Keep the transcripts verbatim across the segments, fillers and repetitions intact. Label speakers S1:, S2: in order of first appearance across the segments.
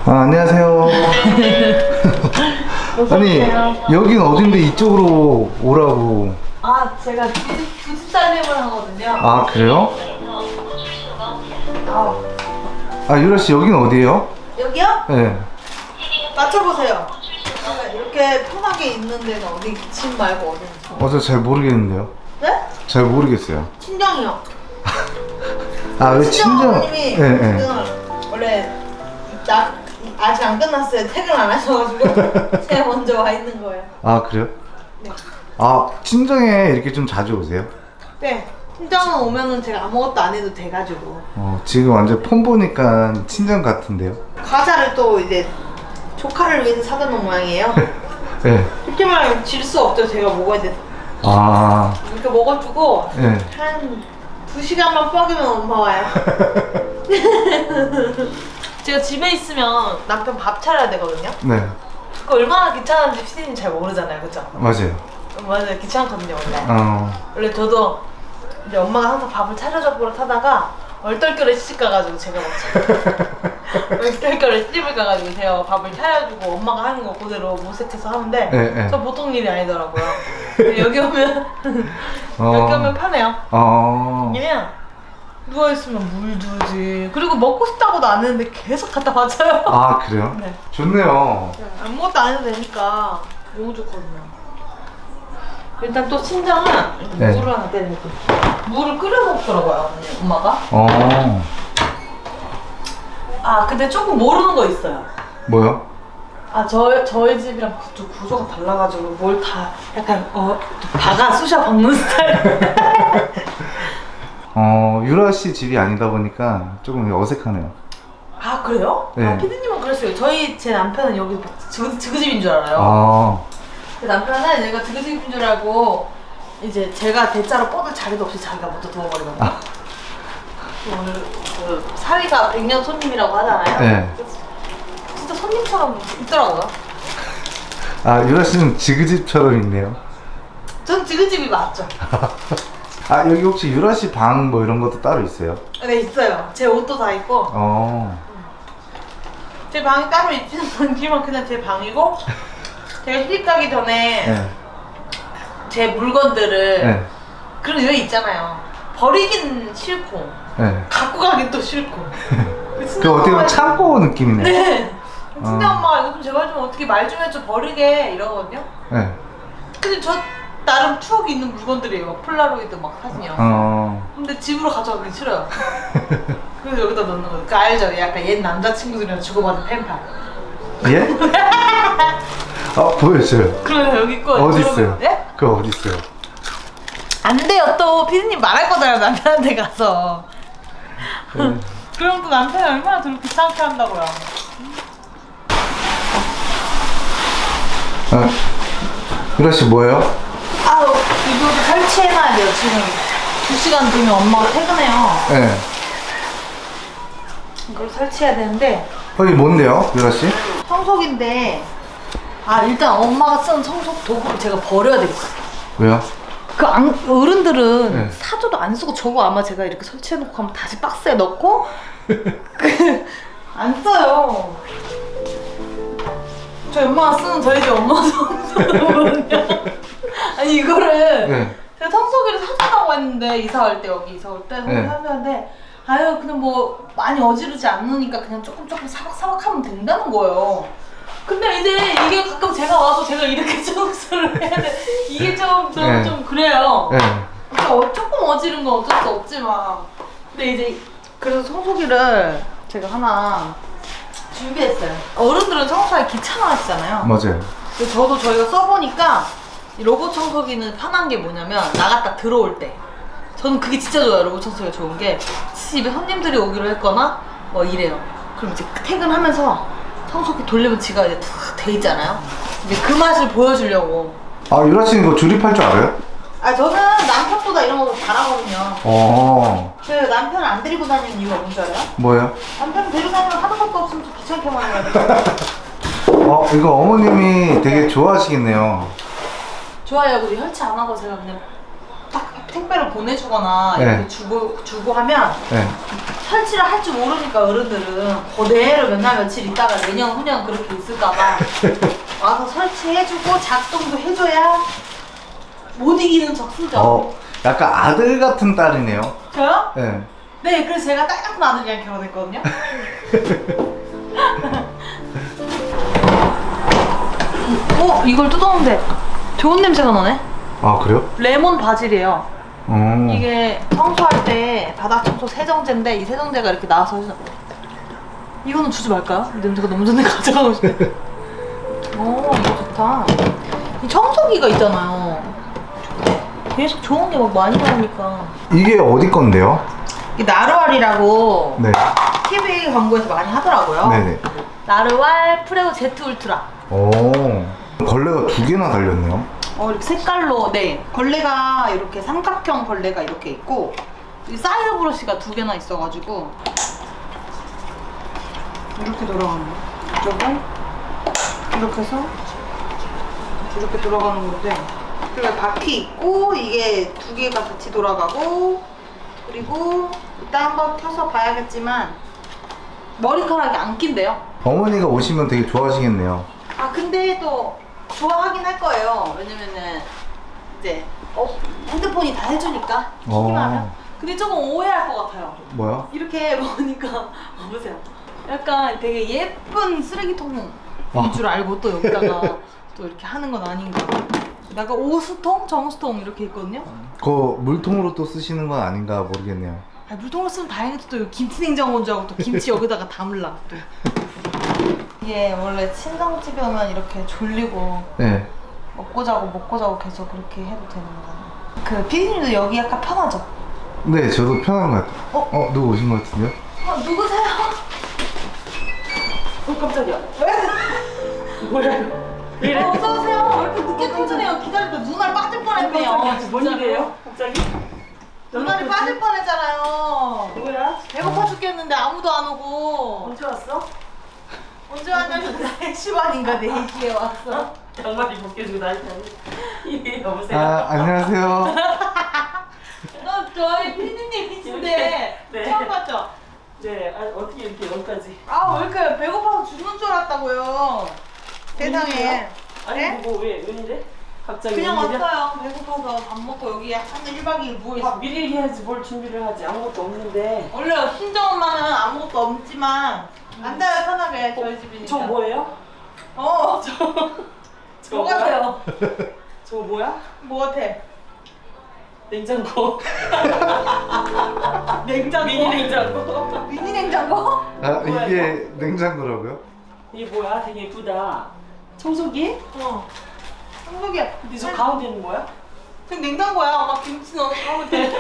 S1: 아, 안녕하세요. 아니, 여긴 어딘데 이쪽으로 오라고.
S2: 아, 제가 두집 살림을 하거든요.
S1: 아, 그래요?
S2: 아,
S1: 아, 유라씨, 여긴 어디예요?
S2: 여기요?
S1: 네.
S2: 맞춰보세요. 이렇게 편하게 있는 데는 어디, 집 말고 어디?
S1: 어, 저 잘 모르겠는데요.
S2: 네?
S1: 잘 모르겠어요.
S2: 친정이요.
S1: 아, 왜
S2: 친정
S1: 친정?
S2: 어머님이
S1: 네, 네.
S2: 지금 원래 나 아직 안 끝났어요. 퇴근 안 하셔가지고 제가 먼저 와 있는 거예요.
S1: 아, 그래요?
S2: 네.
S1: 아, 친정에 이렇게 좀 자주 오세요?
S2: 네. 친정은 오면은 제가 아무것도 안 해도 돼가지고
S1: 어, 지금 완전 폰 보니까 친정 같은데요?
S2: 과자를 또 이제 조카를 위해서 사다 놓은 모양이에요.
S1: 네.
S2: 이렇게 말하면 질 수 없죠. 제가 먹어야 돼서.
S1: 아,
S2: 이렇게 먹어주고
S1: 네.
S2: 한 두 시간만 뻐기면 엄마 와요. 제가 집에 있으면 남편 밥 차려야 되거든요.
S1: 네.
S2: 그거 얼마나 귀찮은지 피디님 잘 모르잖아요, 그죠?
S1: 맞아요.
S2: 맞아요, 귀찮거든요 원래.
S1: 어,
S2: 원래 저도 이제 엄마가 항상 밥을 차려줘 버릇하다가 얼떨결에 시집 가가지고 제가 먹죠. 얼떨결에 시집을 가가지고 제가 밥을 차려주고 엄마가 하는 거 그대로 모색해서 하는데
S1: 네, 네.
S2: 저 보통 일이 아니더라고요. 근데 여기 오면
S1: 어.
S2: 여기 오면 편해요.
S1: 어.
S2: 그냥 누워있으면 물 주지. 그리고 먹고 싶다고도 안 했는데 계속 갖다 바쳐요.
S1: 아, 그래요?
S2: 네.
S1: 좋네요.
S2: 아무것도 안 해도 되니까 너무 좋거든요. 일단 또 친정은
S1: 네.
S2: 물을 하나 떼내고 물을 끓여 먹더라고요, 엄마가.
S1: 어.
S2: 아, 근데 조금 모르는 거 있어요.
S1: 뭐요?
S2: 아, 저, 저희 집이랑 구조, 구조가 달라가지고 뭘 다 약간 어 박아 쑤셔 박는 스타일.
S1: 어, 유라 씨 집이 아니다 보니까 조금 어색하네요.
S2: 아, 그래요?
S1: 네.
S2: 아, 피디님은 그랬어요. 저희 제 남편은 여기 지그, 지그집인 줄 알아요.
S1: 아,
S2: 그 남편은 얘가 지그집인 줄 알고 이제 제가 대자로 뻗을 자리도 없이 자기가 먼저 누워버리거든요.
S1: 아.
S2: 오늘 그 사위가 백년 손님이라고 하잖아요.
S1: 네.
S2: 진짜 손님처럼 있더라고요.
S1: 아, 유라 씨는 지그집처럼 있네요.
S2: 전 지그집이 맞죠.
S1: 아, 여기 혹시 유라 씨 방 뭐 이런 것도 따로 있어요?
S2: 네, 있어요. 제 옷도 다 있고
S1: 어.
S2: 제 방이 따로 있지는 않지만 그냥 제 방이고 제가 시집 가기 전에
S1: 네.
S2: 제 물건들을
S1: 네.
S2: 그런 왜 있잖아요. 버리긴 싫고
S1: 네.
S2: 갖고 가긴 또 싫고.
S1: 그 어떻게 보면 창고 느낌이네.
S2: 네. 친정
S1: 어.
S2: 엄마가 이거 좀 제발 좀 어떻게 말 좀 해줘 버리게 이러거든요.
S1: 네.
S2: 근데 저 나름 추억이 있는 물건들이에요. 막 폴라로이드 막 사진이요.
S1: 어.
S2: 근데 집으로 가져가기 싫어요. 그래서 여기다 넣는 거예요. 그 알죠? 약간 옛 남자친구들이랑 주고받은 펜팔.
S1: 예? 아, 보여줘요.
S2: 그래요, 여기 있고.
S1: 어디 있어요?
S2: 예?
S1: 그거 어디 있어요?
S2: 안 돼요. 또 피디님 말할 거잖아요. 남편한테 가서.
S1: 네.
S2: 그럼 또 남편이 얼마나 저를 귀찮게 한다고요.
S1: 아, 유라 씨 뭐예요?
S2: 아우, 이거 설치해놔야 돼요. 지금 두 시간 뒤면 엄마가 퇴근해요.
S1: 네.
S2: 이걸 설치해야 되는데
S1: 어, 이게 뭔데요, 유라 씨?
S2: 청소기인데 아, 일단 엄마가 쓰는 청소 도구를 제가 버려야 되겠어요.
S1: 왜요?
S2: 그 안, 어른들은
S1: 네.
S2: 사줘도 안 쓰고 저거 아마 제가 이렇게 설치해놓고 하면 다시 박스에 넣고 그, 안 써요. 저희 엄마가 쓰는 저희 집 엄마 청소기거든요. 아니 이거를
S1: 네.
S2: 제가 청소기를 사준다고 했는데 이사 올 때 여기 이사 올 때
S1: 네.
S2: 사줬는데 아유 그냥 뭐 많이 어지르지 않으니까 그냥 조금 조금 사박사박 하면 된다는 거예요. 근데 이제 이게 가끔 제가 와서 제가 이렇게 청소를 해야 돼. 이게 좀, 좀,
S1: 네.
S2: 좀 그래요.
S1: 네.
S2: 그러니까 어, 조금 어지른 건 어쩔 수 없지만. 근데 이제 그래서 청소기를 제가 하나 준비했어요. 어른들은 청소하기 귀찮아 하시잖아요.
S1: 맞아요.
S2: 근데 저도 저희가 써보니까 이 로봇 청소기는 편한 게 뭐냐면 나갔다 들어올 때 저는 그게 진짜 좋아요. 로봇 청소기가 좋은 게 집에 손님들이 오기로 했거나 뭐 이래요. 그럼 이제 퇴근하면서 청소기 돌리면 지가 이제 탁 돼 있잖아요. 이제 그 맛을 보여주려고.
S1: 아, 유라 씨는 이거 조립할 줄 알아요?
S2: 아, 저는 남편보다 이런 거 잘하거든요.
S1: 어.
S2: 그 남편을 안 데리고 다니는 이유가 뭔지 알아요?
S1: 뭐예요?
S2: 남편 데리고 다니면 하는 것도 없으면 좀 귀찮게만 해야 돼.
S1: 어, 이거 어머님이 되게 좋아하시겠네요.
S2: 좋아요. 우리 혈치 안 하고 제가 그냥 딱 택배를 보내주거나
S1: 네.
S2: 이렇게 주고 주고 하면
S1: 네.
S2: 설치를 할 줄 모르니까 어른들은 그대로 몇 날 며칠 있다가 내년 후년 그렇게 있을까봐 와서 설치해주고 작동도 해줘야 못 이기는 척 쓰죠.
S1: 어, 약간 아들 같은 딸이네요.
S2: 저요?
S1: 네.
S2: 네, 그래서 제가 딸 같은 아들이랑 결혼했거든요. 어? 이걸 뜯었는데 좋은 냄새가 나네?
S1: 아, 그래요?
S2: 레몬 바질이에요.
S1: 어.
S2: 이게 청소할 때 바닥 청소 세정제인데 이 세정제가 이렇게 나와서 해서 이거는 주지 말까요? 냄새가 너무 좋네. 가져가고 싶네. 오, 이거 좋다. 이 청소기가 있잖아요. 계속 좋은 게 막 많이 나오니까.
S1: 이게 어디 건데요?
S2: 이게 나루알이라고
S1: 네.
S2: 티비 광고에서 많이 하더라고요.
S1: 네네.
S2: 나루알 프레오 제트 울트라.
S1: 오. 벌레가 두 개나 달렸네요.
S2: 어, 이렇게 색깔로, 네. 걸레가 이렇게 삼각형 걸레가 이렇게 있고, 이 사이드 브러쉬가 두 개나 있어가지고, 이렇게 돌아가는 거. 이쪽을, 이렇게 해서, 이렇게 돌아가는 건데, 그리고 바퀴 있고, 이게 두 개가 같이 돌아가고, 그리고 이따 한번 켜서 봐야겠지만, 머리카락이 안 낀대요.
S1: 어머니가 오시면 되게 좋아하시겠네요.
S2: 아, 근데 또, 좋아하긴 할 거예요. 왜냐면은 이제 어, 핸드폰이 다 해주니까 키기만 하면.
S1: 어.
S2: 근데 조금 오해할 것 같아요.
S1: 뭐야?
S2: 이렇게 보니까 어, 보세요. 약간 되게 예쁜 쓰레기통인
S1: 어.
S2: 줄 알고 또 여기다가 또 이렇게 하는 건 아닌가. 약간 오수통, 정수통 이렇게 있거든요.
S1: 그 물통으로 또 쓰시는 건 아닌가 모르겠네요.
S2: 아, 물통으로 쓰면 다행히도 또 김치 냉장고인 줄 알고 또 김치 여기다가 담을라 또. 이게 원래 친정집에 오면 이렇게 졸리고
S1: 네.
S2: 먹고 자고 먹고 자고 계속 그렇게 해도 되는 거잖아요. 그 피디님도 여기 약간 편하죠?
S1: 네, 저도 편한 것 같아요.
S2: 어?
S1: 어, 누구 오신 것 같은데요?
S2: 어, 누구세요?
S3: 어 깜짝이야.
S2: 왜?
S3: 뭐야 이거? 왜 이래?
S2: 어, 어서오세요. 왜 이렇게 늦게 퇴근해요? 기다리다 눈알 빠질 뻔했네요.
S3: 깜짝이야. 뭔 일이에요? 갑자기?
S2: 눈알이 빠질 뻔했잖아요.
S3: 뭐야?
S2: 배고파 죽겠는데 아무도 안 오고.
S3: 언제 왔어?
S2: 언제 왔냐면 네 시 반인가 네 시에 왔어.
S3: 양말이 벗겨지고 난리나네. 예, 여보세요?
S1: 아, 안녕하세요.
S2: 너 저희 피디님이신데
S3: 네.
S2: 처음 봤죠?
S3: 네, 아, 어떻게 이렇게 여기까지?
S2: 아, 왜 이렇게 배고파서 죽는 줄 알았다고요. 세상에.
S3: 아니
S2: 네?
S3: 뭐 왜? 웬일에? 갑자기
S2: 그냥
S3: 웬일이야?
S2: 왔어요. 배고파서 밥 먹고 여기 한 일 박 이 일
S3: 밥
S2: 누워있어.
S3: 미리 해야지 뭘 준비를 하지. 아무것도 없는데.
S2: 원래 친정 엄마는 아무것도 없지만 앉아요 편하게 저희 집이니까.
S3: 저 뭐예요?
S2: 어, 저,
S3: 저
S2: 뭐 같아요?
S3: 저거 뭐야?
S2: 뭐 같아?
S3: 냉장고.
S2: 냉장고?
S3: 미니 냉장고.
S2: 미니 냉장고?
S1: 아, 이게 냉장고라고요?
S3: 이게 뭐야? 되게 예쁘다. 청소기?
S2: 어. 한국이야.
S3: 근데 저 가운데는 뭐야?
S2: 지금 냉장고야. 엄마 김치 넣어서 하면 돼.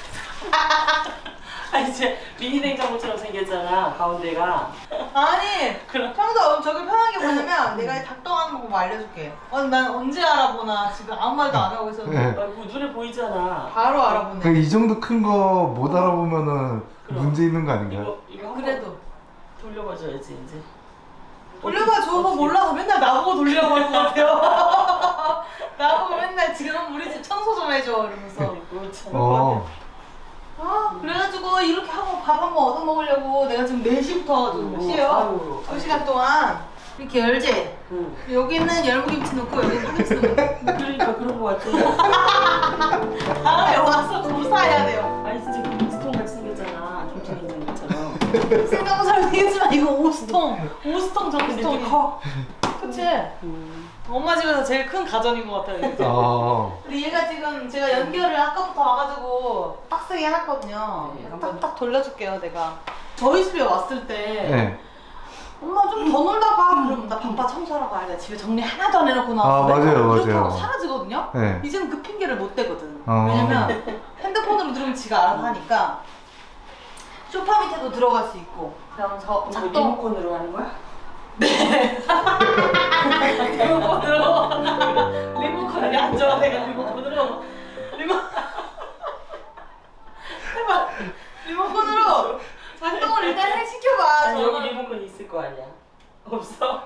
S3: 아니 이제 미니 냉장고처럼 생겼잖아 가운데가.
S2: 아니,
S3: 그럼.
S2: 평소 저기 편하게 보냐면 내가 작동하는 방법 알려줄게. 어, 난 언제 알아보나 지금 아무 말도 안 하고 있었는데
S1: 네.
S3: 아이고 눈에 보이잖아.
S2: 바로 알아보네.
S1: 그 이 정도 큰 거 못 알아보면은
S3: 그럼.
S1: 문제 있는 거 아닌가요?
S3: 이거 이거 한번
S2: 그래도
S3: 돌려봐줘야지 이제.
S2: 돌려봐 줘서
S3: 어떻게-
S2: 몰라서 맨날 나보고 돌리라고 하는 것 같아요. 나보고 맨날 지금 우리 집 청소 좀 해줘 이러면서.
S3: 그렇잖아.
S1: 어.
S2: 아, 그래가지고 이렇게 하고 밥 한 번 얻어 먹으려고 내가 지금 네 시부터 지금 몇 시에요?
S3: 아유.
S2: 두 시간 동안 이렇게 열지?
S3: 응.
S2: 여기는 열무김치 넣고 여기는 파김치 넣고
S3: 그러니까 그런 거 같아.
S2: 다음에 와서 조사해야 돼요.
S3: 아니 진짜 김치통 같이 생겼잖아. 김치 냉장고처럼.
S2: 생각보다 생겼지만 이거 오수통 오수통
S3: 근데 이게
S2: 정수통이
S3: 커.
S2: 그치?
S3: 음.
S2: 엄마 집에서 제일 큰 가전인 것 같아요 이게.
S1: 아.
S2: 근데 얘가 지금 제가 연결을 아까부터 와가지고 빡세게 해놨거든요.
S3: 네, 한번-
S2: 딱딱 돌려줄게요 내가. 저희 집에 왔을 때
S1: 네.
S2: 엄마 좀 더 놀다 가. 그럼 나 바빠 청소하러 가야 돼. 집에 정리 하나도 안 해놓고 나왔어.
S1: 아, 맞아요,
S2: 그렇게
S1: 맞아요.
S2: 하고 사라지거든요.
S1: 네.
S2: 이제는 그 핑계를 못 대거든.
S1: 어.
S2: 왜냐면 핸드폰으로 누르면 지가 알아서 하니까 소파 밑에도 들어갈 수 있고. 그럼 저
S3: 이거
S2: 작동
S3: 리모컨으로 하는 거야?
S2: 리모컨으로 리모컨이 안 좋아 내가 리모컨으로 리모 해봐 리모컨으로 작동을 일단 해 시켜봐.
S3: 아니 여기
S2: 저는.
S3: 리모컨 있을 거 아니야. 없어?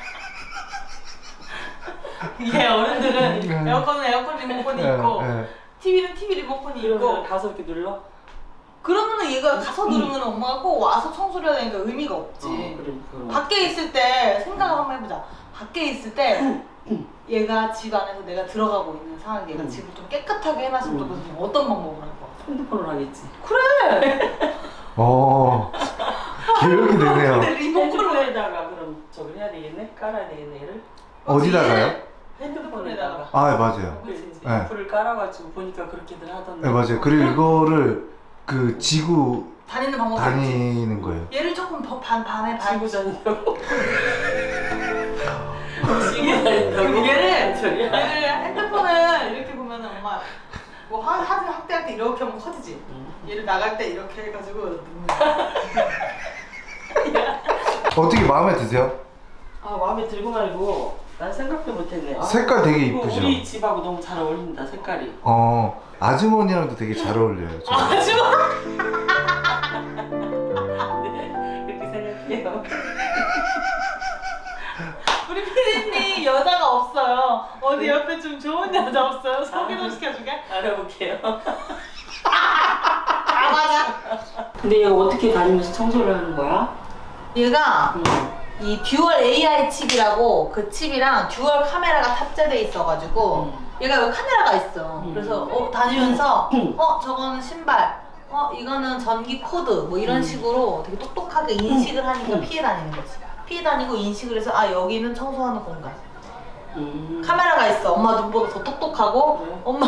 S2: 이게 어른들은 에어컨은 에어컨 리모컨이
S1: 네,
S2: 있고
S1: 네.
S2: 티비는 티비 리모컨이
S3: 그러면
S2: 있고.
S3: 가서 이렇게 눌러?
S2: 그러면은 얘가 가서 누르면 엄마가 꼭 와서 청소를 해야 되니까 의미가 없지.
S3: 어, 그래, 그럼.
S2: 밖에 있을 때 생각을 한번 해보자. 밖에 있을 때 얘가 집 안에서 내가 들어가고 있는 상황에 얘가
S3: 음.
S2: 집을 좀 깨끗하게 해놨으면
S3: 음.
S2: 좋겠으면 어떤 방법을 할 거야?
S3: 핸드폰으로 하겠지.
S2: 그래!
S1: 어 기억이 되네요.
S2: 근데 리모컨을
S3: 핸드폰에다가 그럼 저걸 해야 되겠네? 깔아야 되겠네 얘를?
S1: 어디다가요?
S3: 핸드폰에다가.
S1: 아 맞아요.
S3: 그치.
S1: 네.
S3: 어플을 깔아가지고 보니까 그렇게들 하던데.
S1: 네 맞아요. 그리고 이거를 그 지구
S2: 다니는 방법이 있지.
S1: 다니는 거예요.
S2: 얘를 조금 더 반, 밤에 반
S3: 지고 다닌다고? 지고 다닌다고?
S2: 얘를
S3: 소리야?
S2: 얘를 핸드폰을 이렇게 보면은 엄마 뭐 화, 사진 확대할 때 이렇게 하면 커지지. 얘를 나갈 때 이렇게 해가지고 넣는 거야.
S1: 어떻게 마음에 드세요?
S3: 아 마음에 들고 말고 난 생각도 못했네. 아,
S1: 색깔 되게
S3: 이거
S1: 이쁘죠?
S3: 우리 집하고 너무 잘 어울린다 색깔이.
S1: 어 아주머니랑도 되게 잘 어울려요. 저는.
S2: 아줌마!
S3: 네 그렇게 생각해요.
S2: 우리 피디님 여자가 없어요. 어디 옆에 좀 좋은 여자 없어요? 소개 좀 시켜줄게.
S3: 알아볼게요.
S2: 아 맞아.
S3: 근데 얘가 어떻게 다니면서 청소를 하는 거야?
S2: 얘가
S3: 음.
S2: 이 듀얼 에이아이 칩이라고 그 칩이랑 듀얼 카메라가 탑재돼 있어가지고
S3: 음.
S2: 얘가 여기 카메라가 있어.
S3: 음.
S2: 그래서 어, 다니면서
S3: 음.
S2: 어 저거는 신발, 어 이거는 전기 코드 뭐 이런
S3: 음.
S2: 식으로 되게 똑똑하게 인식을 하니까
S3: 음.
S2: 피해 다니는 거지. 피해 다니고 인식을 해서 아 여기는 청소하는 공간.
S3: 음.
S2: 카메라가 있어. 엄마 눈보다 더 똑똑하고
S3: 그래?
S2: 엄마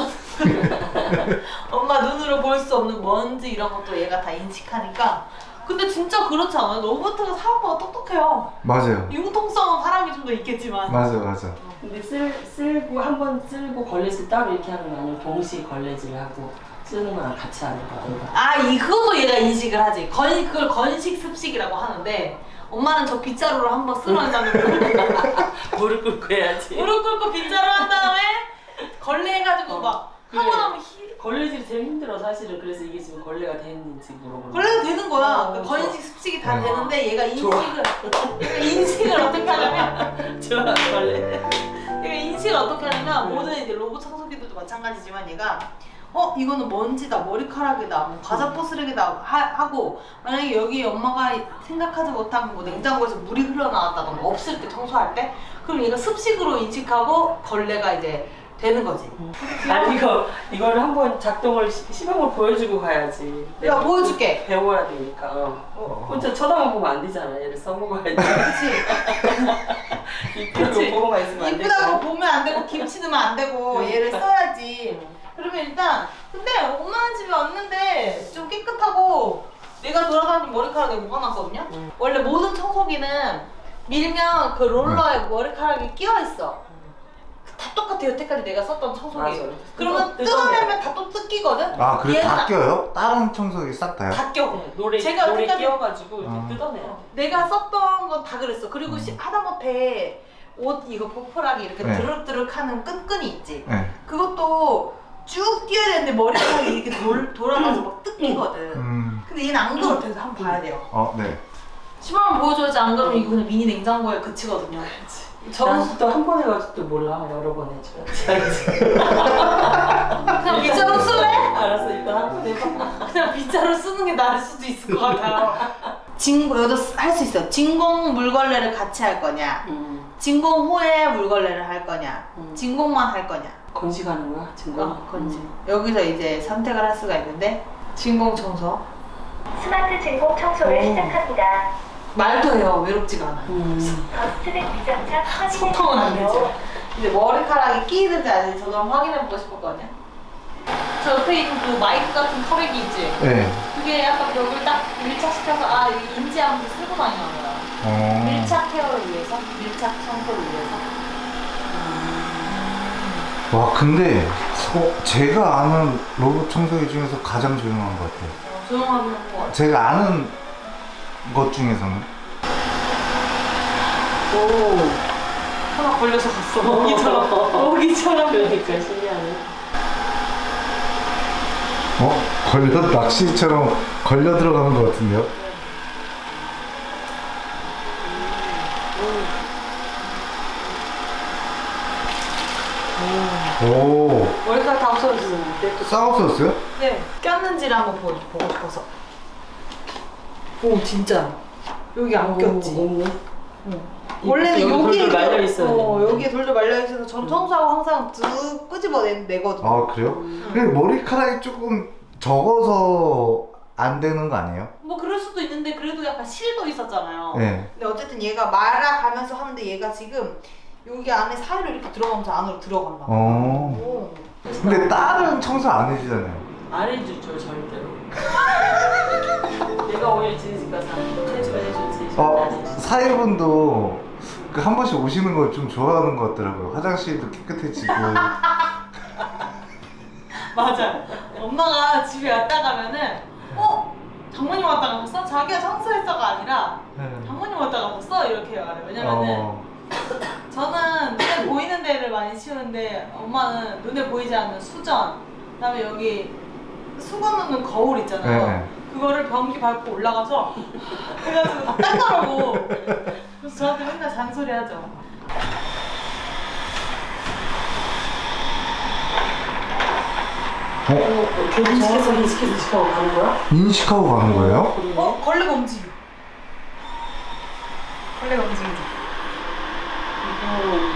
S2: 엄마 눈으로 볼 수 없는 먼지 이런 것도 얘가 다 인식하니까. 근데 진짜 그렇지 않아요? 로봇가 사람보다 똑똑해요.
S1: 맞아요.
S2: 융통성은 사람이 좀 더 있겠지만.
S1: 맞아 맞아.
S3: 근데 쓸, 쓸고 한 번 쓸고 걸레질 따로 이렇게 하는 거 아니면 동시에 걸레질 하고 쓰는 거랑 같이 하는 거 아닌가?
S2: 아, 이 그것도 얘가 인식을 하지. 건 그걸 건식 습식이라고 하는데 엄마는 저 빗자루를 한번 쓸어낸다는 거.
S3: 무릎 꿇고 해야지.
S2: 무릎 꿇고 빗자루 한 다음에 걸레 해가지고
S3: 어,
S2: 막
S3: 그래.
S2: 하고 나면 히...
S3: 걸레질이 제일 힘들어 사실은. 그래서 이게 지금 걸레가 됐는지 물어보는
S2: 걸레가 되는 거야.
S3: 어,
S2: 그러니까
S3: 좋아.
S2: 건식 습식이 다
S1: 어.
S2: 되는데 얘가
S3: 좋아.
S2: 인식을 얘가 인식을 어떻게 하냐면
S3: 좋아 걸레.
S2: 얘가 인식을 어떻게 하냐면 모든 이제 로봇 청소기들도 마찬가지지만 얘가 어 이거는 먼지다 머리카락이다 뭐 과자 포스레기다 하, 하고 만약에 여기 엄마가 생각하지 못한 뭐 냉장고에서 물이 흘러나왔다던가 없을 때 청소할 때 그럼 얘가 습식으로 인식하고 걸레가 이제 되는 거지.
S3: 아니 이거 이거를 한번 작동을 시, 시범을 보여주고 가야지.
S2: 내가 보여줄게.
S3: 배워야 되니까. 어. 혼자 쳐다만 보면 안 되잖아. 얘를 써먹어야지.
S2: 그렇지.
S3: 이쁘다고
S2: 그치.
S3: 보고만 있으면 안
S2: 이쁘다고
S3: 되잖아.
S2: 보면 안 되고 김치 넣으면 안 되고 얘를 써야지. 그러면 일단 근데 엄마는 집에 왔는데 좀 깨끗하고 내가 돌아다니는 머리카락에 뭐가 났거든요.
S3: 음.
S2: 원래 모든 청소기는 밀면 그 롤러에 머리카락이 끼어 있어. 다 똑같아 여태까지 내가 썼던 청소기.
S3: 맞아.
S2: 그러면
S3: 뜯어-
S2: 뜯어내면 다 또 뜯기거든.
S1: 아 그래
S2: 얘는
S1: 다 껴요? 다른 청소기 싹 다요?
S2: 다 껴.
S3: 네, 노래
S2: 제가
S3: 노래
S2: 여태까지-
S3: 끼워가지고 이렇게
S1: 아.
S3: 뜯어내요.
S2: 내가 썼던 건 다 그랬어. 그리고
S1: 음.
S2: 시, 하다못해 옷 이거 보풀하기 이렇게
S1: 네.
S2: 드륵드륵하는 끈끈이 있지.
S1: 네.
S2: 그것도 쭉 뛰어야 되는데 머리카락이 이렇게 돌, 돌아가서 막 뜯기거든.
S1: 음.
S2: 근데 얘는 안 그렇대서 한번 봐야 돼요.
S1: 어 네.
S2: 시범을 보여줘야지 안 그러면 이거 그냥 미니 냉장고에 그치거든요. 저는
S3: 난 또 한 번 해가지고 또 몰라. 여러 번 해줘야지.
S2: 그냥 빗자루 쓸래?
S3: 알았어 일단 한 번 해봐.
S2: 그냥 빗자루 쓰는 게 나을 수도 있을 것 같아요. 진공, 여기도 할 수 있어. 진공 물걸레를 같이 할 거냐?
S3: 음.
S2: 진공 후에 물걸레를 할 거냐?
S3: 음.
S2: 진공만 할 거냐?
S3: 건식하는 거야 증거?
S2: 어, 건지. 여기서 이제 선택을 할 수가 있는데 진공 청소.
S4: 스마트 진공 청소를
S3: 오.
S4: 시작합니다.
S2: 말도 해요. 외롭지가 않아.
S3: 음.
S4: 더스트백 미장착 확인해
S2: 소통은 안
S4: 주세요.
S2: 되죠. 이제 머리카락이 끼이는지 아닌지 저도 한번 확인해보고 싶었거든요. 저 옆에 있는 그 마이크 같은 털레기 있지?
S1: 네.
S2: 그게 약간 벽을 딱 밀착시켜서 아 이거 인지하면서 쓰고 다니는 거야.
S1: 어.
S2: 밀착 케어를 위해서? 밀착 청소를 위해서?
S1: 와 근데 어, 제가 아는 로봇 청소기 중에서 가장 조용한 것 같아요.
S2: 어, 조용하긴 한것 같아.
S1: 제가 아는 것 중에서는.
S3: 오.
S2: 하나 걸려서 갔어. 모기처럼. 모기처럼.
S3: 그러니까 신기하네.
S1: 어? 걸려 낚시처럼 걸려 들어가는 것 같은데요? 오,
S3: 머리카락 다 없어졌는데 또
S1: 쌍없어졌어요?
S2: 네. 꼈는지를 한번 보, 보고 싶어서. 오, 진짜. 여기 안 꼈지.
S3: 없네.
S2: 원래는
S3: 여기
S2: 여기에
S3: 돌돌 말려 있어야
S2: 어,
S3: 돼.
S2: 여기에 돌돌 말려 있어서 전 청소하고 항상 쭉 끄집어내거든요.
S1: 아, 그래요? 근데 머리카락이 조금 적어서 안 되는 거 아니에요?
S2: 뭐 그럴 수도 있는데 그래도 약간 실도 있었잖아요.
S1: 네.
S2: 근데 어쨌든 얘가 말아가면서 하는데 얘가 지금 여기 안에 사이로 이렇게 들어가면서 안으로 들어간다.
S1: 어.
S2: 오.
S1: 근데 딸은 청소 안 해주잖아요.
S3: 안 해주죠 절대로. 내가 오일 지니까 해주면 해주지.
S1: 어,
S3: 안 해주지.
S1: 사회분도 그 한 번씩 오시는 걸 좀 좋아하는 것 같더라고요. 화장실도 깨끗해지고.
S2: 맞아. 엄마가 집에 왔다 가면은 어? 장모님 왔다 가셨어? 자기가 청소했어가 아니라 장모님 왔다 가셨어? 이렇게 말해. 왜냐면은
S1: 어.
S2: 저는 눈에 보이는 데를 많이 치우는데 엄마는 눈에 보이지 않는 수전, 그다음에 여기 수건 넣는 거울 있잖아요.
S1: 네.
S2: 그거를 변기 밟고 올라가서 그래가지고 다 닦으라고. 그래서 저한테 맨날 잔소리하죠.
S1: 어?
S3: 어, 인식해서 인식해서 인식하고 가는 거야?
S1: 인식하고 가는 거예요?
S3: 그러네.
S2: 어? 걸레가 움직여. 걸레가 움직이죠.
S3: 음.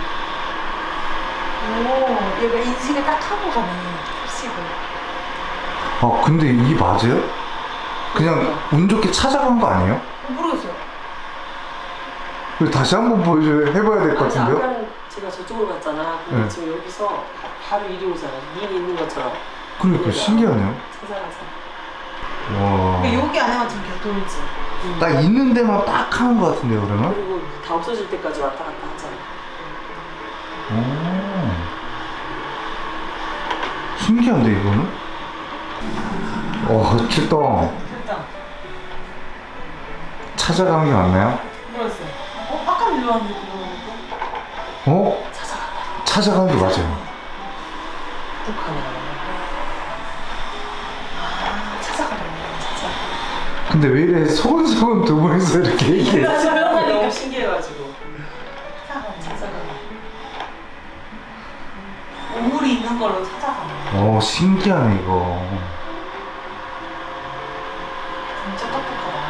S2: 오, 얘가 인식을 딱 하고 가네. 흡식을.
S1: 아, 근데 이게 맞아요? 그냥 운 좋게 찾아간 거 아니에요?
S2: 어, 모르겠어요.
S1: 그리고 다시 한번 보여줘야 해봐야 될 것
S3: 아니,
S1: 같은데요?
S3: 아까는 제가 저쪽으로 갔잖아. 근데
S1: 네.
S3: 지금 여기서 바로 이리 오잖아. 눈이 있는 것처럼.
S1: 그러니까 신기하네요.
S3: 찾아가자.
S1: 와.
S2: 그러니까 여기 안에만 지금 계속 돌지.
S1: 딱 있는 데만 딱 하는 것 같은데요, 그러면?
S3: 그리고 다 없어질 때까지 왔다 갔다 하잖아.
S1: 오. 신기한데, 이거는? 와, 출동.
S2: 됐다.
S1: 찾아가는 게 맞나요?
S2: 모르겠어요. 어? 아까 일로 왔는데 그거 보니까?
S1: 어? 찾아가는 게 맞아요.
S3: 똑하네.
S2: 아, 찾아가네. 찾아.
S1: 근데 왜 이래 소근소근 두 분이서 이렇게 얘기해?
S3: 내가 조명하니 너무 신기해가지고.
S2: 찾아가네.
S3: 찾아가네.
S2: 오물이 있는 걸로 찾아가네.
S1: 오, 신기하네, 이거.
S2: 진짜 똑똑하다.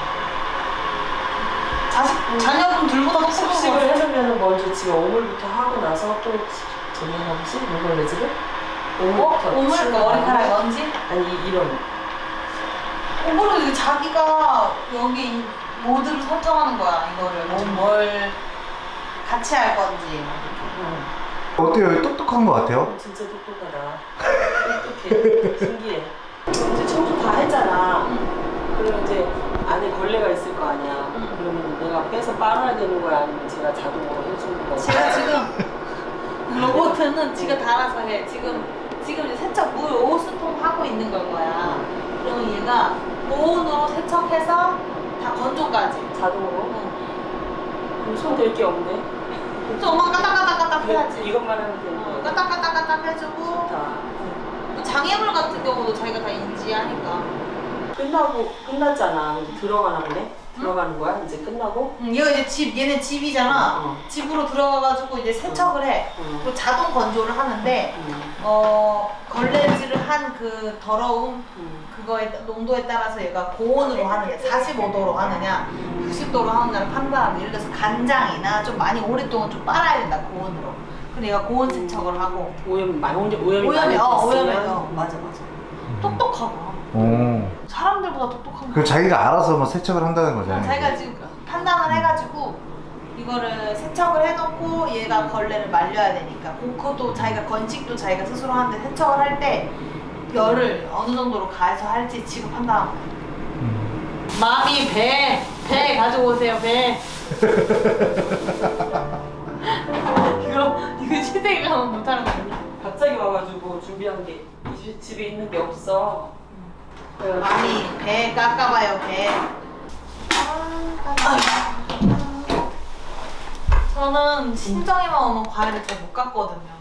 S2: 자식, 자녀분 둘보다
S3: 습식을
S2: 똑똑하고.
S3: 해놓으면 먼저 집에 오물부터 하고 나서 또 저기 하지? 물걸레질을? 오물부터.
S2: 오물, 그 머리카락 먼지?
S3: 아니 이런.
S2: 오물은 이게 자기가 여기 모드를 설정하는 거야, 이거를. 뭐, 뭘 같이 할 건지.
S3: 응.
S1: 어때요? 똑똑한 것 같아요?
S3: 진짜 똑똑하다. 똑똑해. 신기해. 이제 청소 다 했잖아. 그러면 이제 안에 걸레가 있을 거 아니야. 그러면 내가 빼서 빨아야 되는 거야? 아니면 제가 자동으로 해주는 거야?
S2: 제가 지금 로봇은 지가 다 알아서 해. 지금 지금 이제 세척 물 오 스통 하고 있는 걸 거야. 그러면 얘가 고온으로 세척해서 다 건조까지.
S3: 자동으로?
S2: 응.
S3: 그럼 손 댈 게 없네.
S2: 그래서 엄마 까딱까딱까딱 해야지.
S3: 이것만 하면 되는
S2: 어,
S3: 거야.
S2: 까딱까딱까딱 해주고
S3: 좋다.
S2: 뭐 장애물 같은 경우도 자기가 다 인지하니까.
S3: 끝나고 끝났잖아. 이제 들어가나 보네. 들어가는 거야? 이제 끝나고?
S2: 응, 얘가 이제 집 얘네 집이잖아.
S3: 어.
S2: 집으로 들어가가지고 이제 세척을 해.
S3: 응.
S2: 그리고 자동 건조를 하는데
S3: 응.
S2: 어 걸레질을 한 그 더러움
S3: 응.
S2: 그거에 따- 농도에 따라서 얘가 고온으로 하느냐 사십오 도로 하느냐 육십 도로 하느냐를 판단하고 예를 들어서 간장이나 좀 많이 오랫동안 좀 빨아야 된다 고온으로. 그럼 얘가 고온 세척을 하고
S3: 오염 많이 오염 오염이
S2: 오염이
S3: 많이
S2: 어 오염이
S3: 됐으면
S2: 어 맞아 맞아. 똑똑하고
S1: 오.
S2: 사람들보다 똑똑한
S1: 그럼
S2: 거.
S1: 자기가 알아서 뭐 세척을 한다는 거잖아요.
S2: 자기가 지금 판단을 해가지고 이거를 세척을 해놓고 얘가 걸레를 말려야 되니까 그- 그것도 자기가 건식도 자기가 스스로 하는데 세척을 할 때 열을 어느 정도로 가해서 할지 지금 판단하고
S1: 음.
S2: 마미 배! 배 가져오세요 배! 이거 이거 시댁에 가면 못하는 거 아니야?
S3: 갑자기 와가지고 준비한 게 이 집에 있는 게 없어. 그래가지고
S2: 마미 배 깎아봐요 배. 저는 신정이만 오면 과일을 잘 못 깎거든요.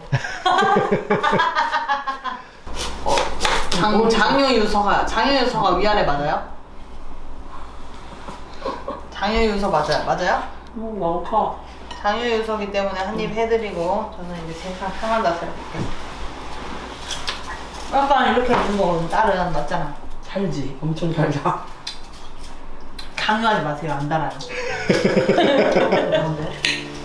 S2: 어, 장, 장유유서가 장유유서가 위아래 맞아요? 장유유서 맞아요? 맞아요?
S3: 너무 많다.
S2: 장유유서기 때문에 한 입 해드리고 저는 이제 제가 편한 자세로 볼게요. 약간 이렇게 먹는 거 딸은 맞잖아.
S3: 달지. 엄청 달다.
S2: 강요하지 마세요. 안 달아요.
S3: 그런데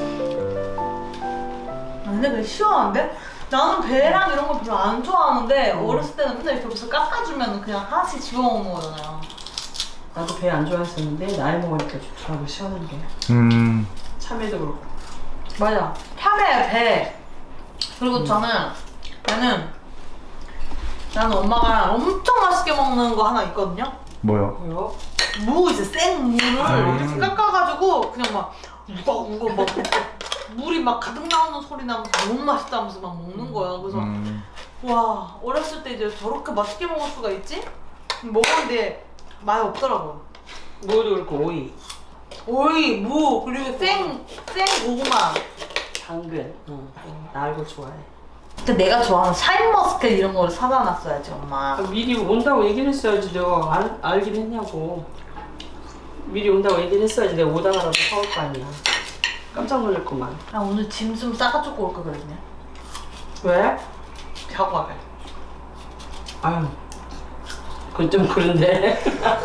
S2: 근데 그게 시원한데? 나는 배랑 이런 거 별로 안 좋아하는데 어렸을 때는 맨날 이렇게 무슨 깎아주면 그냥 하나씩 집어먹는 거잖아요.
S3: 나도 배 안 좋아했었는데 나이 먹으니까 좋더라고 시원한 게.
S1: 음.
S3: 참외도 그렇고.
S2: 맞아. 참외, 배. 그리고 저는 배는 나는 엄마가 엄청 맛있게 먹는 거 하나 있거든요.
S1: 뭐요?
S3: 뭐요?
S2: 무 이제 생무를
S1: 음.
S2: 이렇게 깎아가지고 그냥 막 우거 우거 막 물이 막 가득 나오는 소리 나면서 너무 맛있다면서 막 먹는 거야. 그래서
S1: 음.
S2: 와 어렸을 때 이제 저렇게 맛있게 먹을 수가 있지? 먹었는데 맛이 없더라고요.
S3: 무도 그렇고 오이,
S2: 오이, 무 그리고 생, 생 고구마.
S3: 당근. 응. 나 알고 좋아해.
S2: 근데 내가 좋아하는 샤인머스켓 이런 거를 사다 놨어야지 엄마.
S3: 아, 미리 온다고 얘기를 했어야지. 내가 알, 알긴 했냐고. 미리 온다고 얘기를 했어야지. 내가 오다가라도 사올 거 아니야. 깜짝 놀랐구만.
S2: 나 오늘 짐 좀 싸가지고 올까 그랬네.
S3: 왜?
S2: 자고 가게.
S3: 아유, 그건 좀 그런데.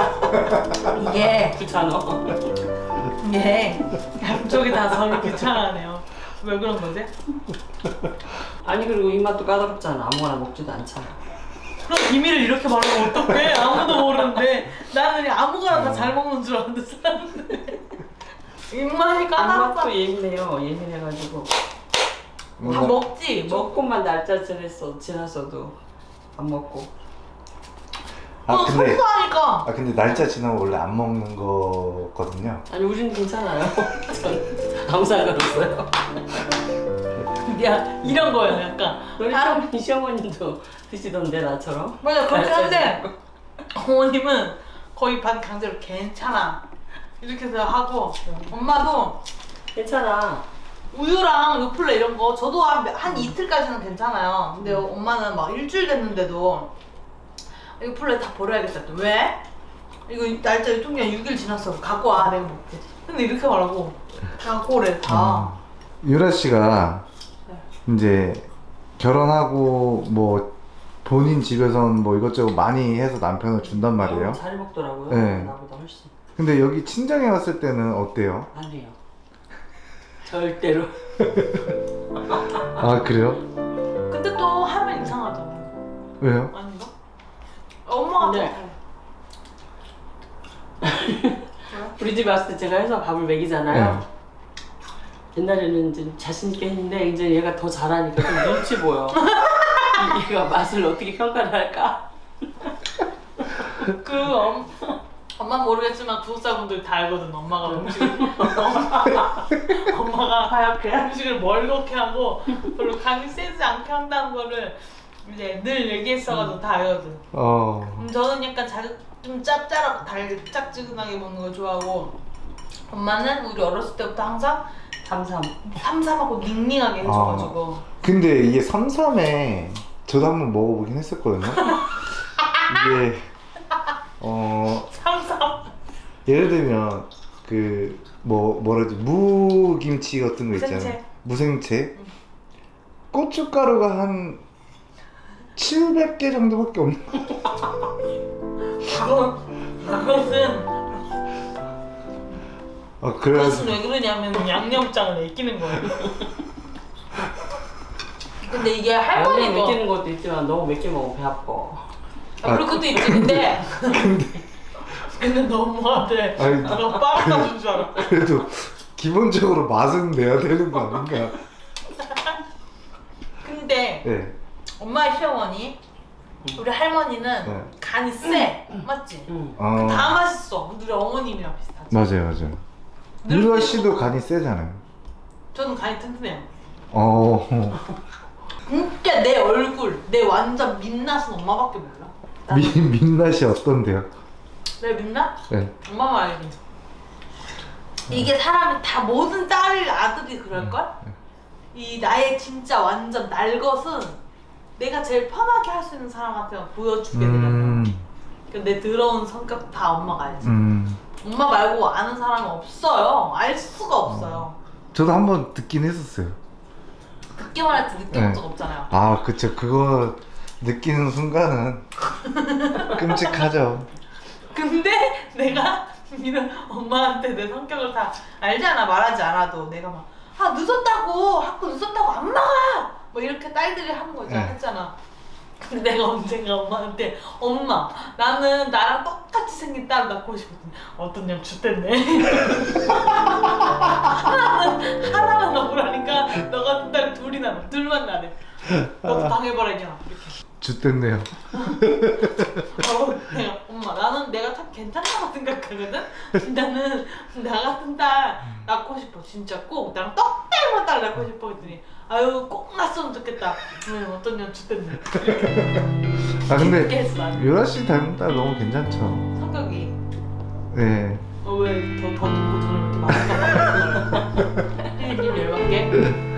S2: 이게
S3: 귀찮아.
S2: 이게 양쪽이 다 서로 귀찮아하네요. 왜 그런 거지?
S3: 아니 그리고 입맛도 까다롭잖아. 아무거나 먹지도 않잖아.
S2: 그럼 비밀을 이렇게 말하면 어떡해? 아무도 모르는데 나는 그냥 아무거나 다 잘 먹는 줄 알았는데 사람들 입맛이 까다롭다.
S3: 입맛도 예민해요. 예민해가지고.
S2: 다
S1: 뭔가-
S2: 먹지. 먹.
S3: 조금만 날짜 지났어, 지났어도 안 먹고.
S1: 아
S2: 어,
S1: 근데
S2: 소소하니까.
S1: 아 근데 날짜 지나면 원래 안 먹는 거거든요.
S3: 아니 우리는 괜찮아요. 전 아무 상관없어요.
S2: 야 이런 거예요 약간.
S3: 너희
S2: 다른-
S3: 시어머니, 시어머님도 드시던데 나처럼.
S2: 맞아 그렇긴
S3: 날짜
S2: 한데
S3: 지나고.
S2: 어머님은 거의 반 강제로 괜찮아 이렇게 해서 하고 엄마도
S3: 괜찮아.
S2: 우유랑 요플레 이런 거 저도 한, 한 이틀까지는 괜찮아요. 근데 엄마는 막 일주일 됐는데도 요플레 다 버려야겠다. 또 왜? 이거 날짜 유통기한 육 일 지났어. 갖고 와 내가 먹게. 근데 이렇게 말하고 갖고 오래 다.
S1: 유라 씨가 이제 결혼하고 뭐 본인 집에선 뭐 이것저것 많이 해서 남편을 준단 말이에요.
S3: 어, 잘 먹더라고요.
S1: 네.
S3: 나보다 훨씬.
S1: 근데 여기 친정에 왔을 때는 어때요?
S3: 안 해요. 절대로.
S1: 아 그래요?
S2: 근데 또 하면 이상하잖아.
S1: 왜요?
S2: 아닌가? 엄마가
S3: 근데- 우리 집에 왔을 때 제가 해서 밥을 먹이잖아요.
S1: 네.
S3: 옛날에는 좀 자신 있게 했는데 이제 얘가 더 잘하니까 좀 눈치 보여. 이- 얘가 맛을 어떻게 평가를 할까?
S2: 그 엄, 엄마는 모르겠지만 구독자분들 다 알거든. 엄마가 음식을 엄마가, 엄마가
S3: 하얗게.
S2: 음식을 멀겋게 하고 별로 간이 세지 않게 한다는 거를 이제 늘 얘기했어가지고 다 알거든.
S1: 어.
S2: 음, 저는 약간 자극 좀 짭짤하고 달짝지근하게 먹는 걸 좋아하고 엄마는 우리 어렸을 때부터 항상
S3: 삼삼.
S2: 삼삼하고 닝닝하게 해줘가지고
S1: 근데 이게 삼삼에 저도 한번 먹어보긴 했었거든요. 이게 어
S2: 삼삼
S1: 예를 들면 그 뭐 뭐라지 무김치 같은 거 있잖아요.
S2: 무생채.
S1: 무생채. 고춧가루가 한 칠백 개 정도밖에 없는.
S2: 그건 그것은
S1: 아
S2: 그것은
S1: 그래가지고
S2: 왜 그러냐면 양념장을 애끼는 거예요. 근데 이게
S3: 원래
S2: 할머니가
S3: 먹이는 것도 있지만 너무 맵게 먹으면 배 아파.
S2: 아, 그런 것도 있지. 근데 근데 너무하대.
S1: 아니,
S2: 너 빠르다 준 줄 알아.
S1: 그래도 기본적으로 맛은 내야 되는 거 아닌가?
S2: 근데
S1: 네.
S2: 엄마의 시어머니 우리 할머니는
S1: 네.
S2: 간이 세. 맞지?
S3: 응.
S1: 어
S2: 다 맛있어. 우리 어머님이랑 비슷하지.
S1: 맞아요 맞아요. 유라 씨도 간이 세잖아요.
S2: 저는 간이 튼튼해요.
S1: 어.
S2: 진짜 내 얼굴, 내 완전 민낯은 엄마밖에 몰라. 나는
S1: 민 민낯이 어떤데요?
S2: 내 민낯?
S1: 네.
S2: 엄마만 알지. 이게 사람이 다 모든 딸 아들이 그럴걸? 이 나의 진짜 완전 날 것은 내가 제일 편하게 할 수 있는 사람한테만 보여주게 되는
S1: 음.
S2: 거야. 내 더러운 성격 다 엄마가 알지.
S1: 음.
S2: 엄마 말고 아는 사람은 없어요. 알 수가 없어요.
S1: 저도 한번 듣긴 했었어요.
S2: 듣기만 할지 느껴본
S1: 네.
S2: 적 없잖아요.
S1: 아 그쵸. 그거 느끼는 순간은 끔찍하죠.
S2: 근데 내가 이런 엄마한테 내 성격을 다 알잖아. 말하지 않아도 내가 막 아 늦었다고 학교 늦었다고 안 나가 뭐 이렇게 딸들이 하는 거 있잖아.
S1: 네.
S2: 했잖아. 근데 내가 언젠가 엄마한테 엄마 나는 나랑 똑같이 생긴 딸 낳고 싶었더니 어떤 년 죽됐네. 하나는 하나는 억울하니까 너 같은 딸 둘이나 나, 둘만 나래. 너도 당해봐라 이년아 이렇게.
S1: 쥐됐네요.
S2: 어, 내가 엄마 나는 내가 참 괜찮다고 생각하거든. 나는 나 같은 딸 낳고 싶어 진짜 꼭 나랑 떡대만 딸 낳고 싶어 했더니 아유 꼭 낳았으면 좋겠다. 응 어떤 년 죽됐네.
S1: 아 근데
S2: 깊게 했어, 나는.
S1: 유라 씨 닮은 딸 너무 괜찮죠.
S2: 성격이
S1: 네.
S2: 어, 왜더더 듣고 저는 이렇게 많이 님 열받게?